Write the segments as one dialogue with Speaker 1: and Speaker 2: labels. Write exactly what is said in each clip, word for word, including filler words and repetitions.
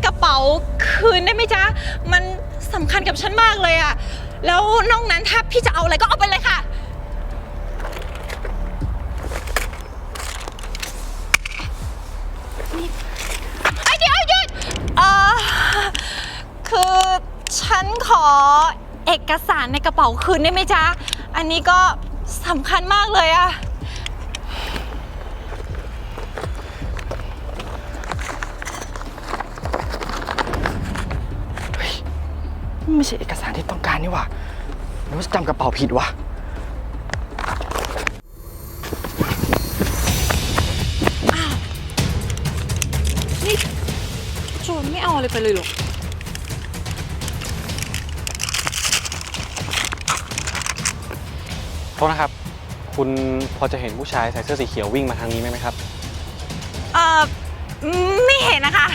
Speaker 1: กระเป๋าคืนได้ไหมจ๊ะมันสำคัญกับฉันมากเลยอะแล้วนอกนั้นถ้าพี่จะเอาอะไรก็เอาไปเลยค่ะไอ้เดี๋ยวหยุดเออคือฉันขอเอกสารในกระเป๋าคืนได้ไหมจ๊ะอันนี้ก็สำคัญมากเลยอะ
Speaker 2: ไม่ใช่เอกสารที่ต้องการนี่หว่าหรือว่าจำกระเป๋าผิดวะ
Speaker 1: อ้าวนี่โจรไม่เอาอะไรไปเลยหรอ
Speaker 3: โทษนะครับคุณพอจะเห็นผู้ชายใส่เสื้อสีเขียววิ่งมาทางนี้ไหมครับ
Speaker 1: เอ่อไม่เห็นนะคะ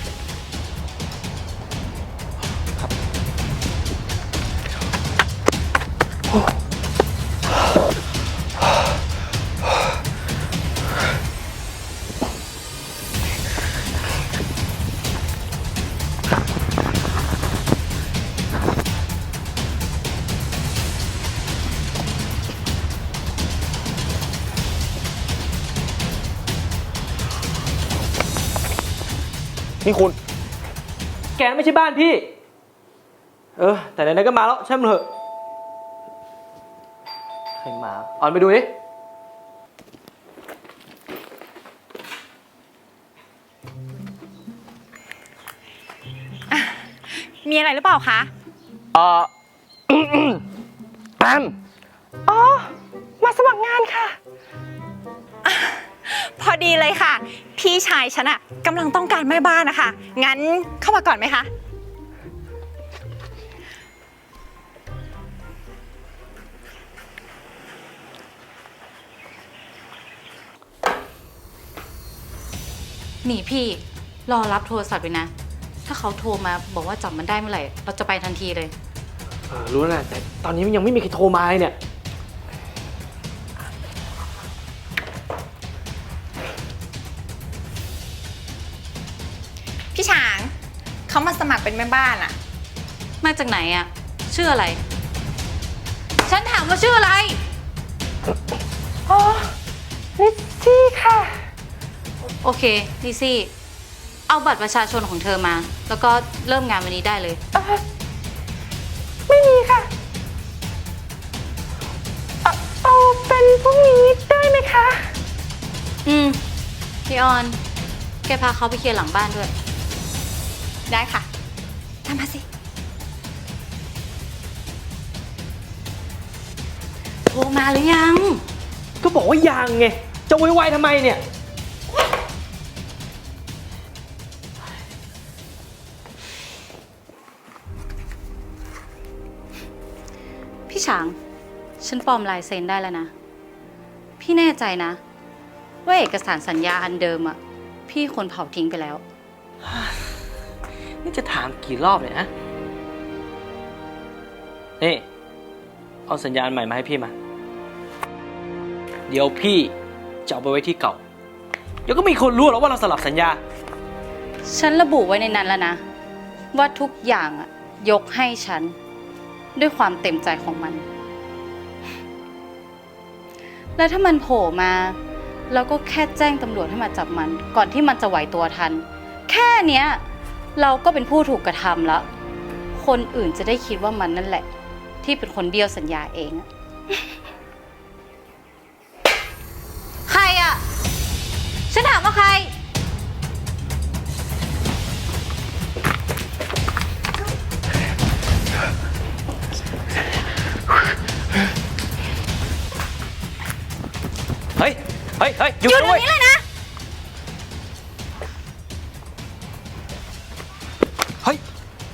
Speaker 3: นี่คุณ
Speaker 2: แกไม่ใช่บ้านพี่เออแต่ไหนๆก็มาแล้วช่างมันเถอะใครมาออนไปดูดิ
Speaker 1: มีอะไรหรือเปล่าคะ
Speaker 2: เอ่อแอมอ๋อมาสมัครงานค่ะ
Speaker 1: พอดีเลยค่ะพี่ชายฉันอะกำลังต้องการแม่บ้านนะคะงั้นเข้ามาก่อนไหมคะ
Speaker 4: นี่พี่รอรับโทรศัพท์ไปนะถ้าเขาโทรมาบอกว่าจับมันได้เมื่อไหร่เราจะไปทันทีเลย
Speaker 2: เออรู้แล้วนะแต่ตอนนี้มันยังไม่มีใครโทรมาเลยเนี่ย
Speaker 1: พี่ช้างเขามาสมัครเป็นแม่บ้านอะ
Speaker 4: มาจากไหนอะชื่ออะไรฉันถามว่าชื่ออะไร
Speaker 1: อ๋อลิซซี่ค่ะ
Speaker 4: โอเคลิซี่เอาบัตรประชาชนของเธอมาแล้วก็เริ่มงานวันนี้ได้เลย
Speaker 1: เออไม่มีค่ะเออเอาเป็นพรุ่งนี้ได้ไหมคะ
Speaker 4: อืมพี่ออนแกพาเขาไปเคลียร์หลังบ้านด้วย
Speaker 1: ได้ค่ะทำมาสิ
Speaker 4: โทรมาหรือยัง
Speaker 2: ก็บอกว่ายังไงจะไวๆทำไมเนี่ย
Speaker 4: พี่ฉางฉันปลอมลายเซ็นได้แล้วนะพี่แน่ใจนะว่าเอกสารสัญญาอันเดิมอ่ะพี่คนเผาทิ้งไปแล้ว
Speaker 2: นี่จะถามกี่รอบเนี่ยฮะนี่เอาสัญญาณใหม่มาให้พี่มาเดี๋ยวพี่จะเอาไปไว้ที่เก่าเดี๋ยวก็มีคนรู้แล้วว่าเราสลับสัญญา
Speaker 4: ฉันระบุไว้ในนั้นแล้วนะว่าทุกอย่างอ่ะยกให้ฉันด้วยความเต็มใจของมันแล้วถ้ามันโผล่มาเราก็แค่แจ้งตำรวจให้มาจับมันก่อนที่มันจะไหวตัวทันแค่เนี้ยเราก็เป็นผู้ถูกกระทำแล้วคนอื่นจะได้คิดว่ามันนั่นแหละที่เป็นคนเบี้ยวสัญญาเองใครอ่ะฉันถามว่าใคร
Speaker 2: เฮ้ยเฮ้ยเฮ้ยหยุด
Speaker 1: หยุดตรง
Speaker 2: ด้วย
Speaker 1: นี้เลยนะ
Speaker 2: เฮ้ย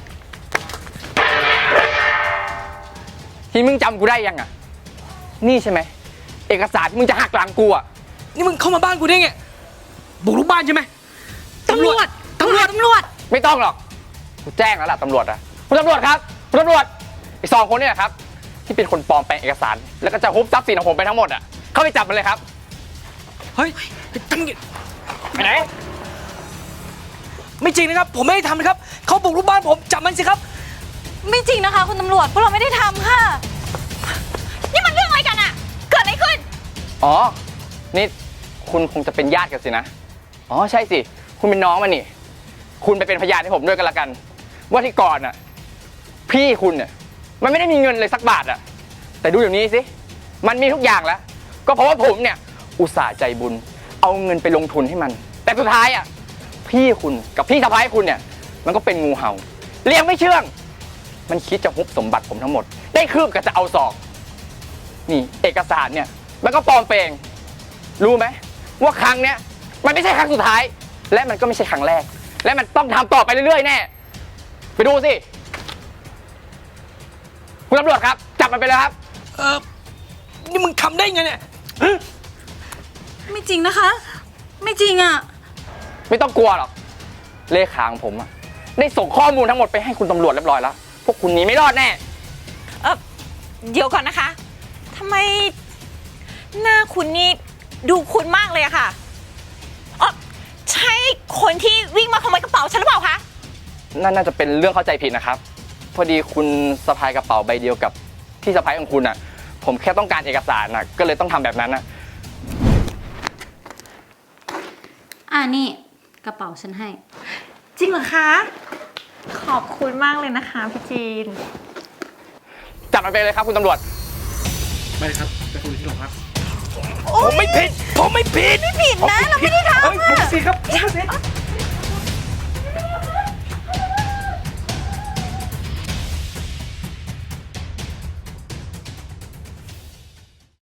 Speaker 5: ที่มึงจำกูได้ยังอ่ะนี่ใช่ไหมเอกสารที่มึงจะหักหลังกูอ่ะ
Speaker 2: นี่มึงเข้ามาบ้านกูได้ไงบุกรุกบ้านใช่ไหม
Speaker 1: ตำรวจตำรวจตำรวจ
Speaker 5: ไม่ต้องหรอกกูแจ้งแล้วล่ะตำรวจอะคุณตำรวจครับคุณตำรวจไอ้สองคนเนี่ยครับที่เป็นคนปลอมแปลงเอกสารแล้วก็จะฮุบทรัพย์สินของผมไปทั้งหมดอ่ะเข้าไปจับมันเลยครับ
Speaker 2: เฮ้ยตั้งไปไหนไม่จริงนะครับ ผมไม่ได้ทำนะครับ เขาบุกรุกบ้านผม จับมันสิครับ
Speaker 1: ไม่จริงนะคะ คุณตำรวจพวกเราไม่ได้ทำค่ะ นี่มันเรื่องอะไรกันอะเกิดอะไรขึ้น
Speaker 5: อ๋อ นี่คุณคงจะเป็นญาติกันสินะ อ๋อใช่สิ คุณเป็นน้องมันนี่ คุณไปเป็นพยานให้ผมด้วยกันละกัน ว่าที่ก่อนน่ะ พี่คุณเนี่ยมันไม่ได้มีเงินเลยสักบาทอะแต่ดูอย่างนี้สิ มันมีทุกอย่างแล้ว ก็เพราะว่าผมเนี่ยอุตส่าห์ใจบุญ เอาเงินไปลงทุนให้มัน แต่สุดท้ายอะพี่คุณกับพี่สะพ้ายคุณเนี่ยมันก็เป็นงูเห่าเลี้ยงไม่เชื่อง มันคิดจะฮุบสมบัติผมทั้งหมด ได้คืบก็จะเอาศอก นี่เอกสารเนี่ยมันก็ปลอมเปลงรู้ไหมว่าครั้งเนี้ยมันไม่ใช่ครั้งสุดท้าย และมันก็ไม่ใช่ครั้งแรก และมันต้องทำต่อไปเรื่อยๆแน่ไปดูสิคุณตำรวจครับจับมันไปเลยครับ
Speaker 2: เออนี่มึงทำได้ไงเนี่ย
Speaker 1: ไม่จริงนะคะ ไม่จริงอะ
Speaker 5: ไม่ต้องกลัวหรอกเลขาของผมอะได้ส่งข้อมูลทั้งหมดไปให้คุณตำรวจเรียบร้อยแล้วพวกคุณหนีไม่รอดแน่
Speaker 1: เออเดี๋ยวก่อนนะคะทำไมหน้าคุณนี่ดูคุ้นมากเลยอะค่ะเออใช่คนที่วิ่งมาขโมยกระเป๋าฉันหรือเปล่าคะ
Speaker 5: นั่นน่าจะเป็นเรื่องเข้าใจผิดนะครับ พอดีคุณสะพายกระเป๋าใบเดียวกับที่สะพายของคุณอะผมแค่ต้องการเอกสารนะก็เลยต้องทำแบบนั้นนะ
Speaker 4: อ่านี่กระเป๋าฉันให้
Speaker 1: จริงเหรอคะ ขอบคุณมากเลยนะคะพี่จีน
Speaker 5: จับมันไปเลยครับคุณตำรวจ
Speaker 3: ไม่ครับไปคุยที่โรงพัก
Speaker 2: ผมไม่ผิด ผมไม่ผิด
Speaker 1: ไม่ผิดนะ เราไม่ได้ทำ
Speaker 2: เฮ้ยผม
Speaker 1: อะ
Speaker 2: สิครับผมสิ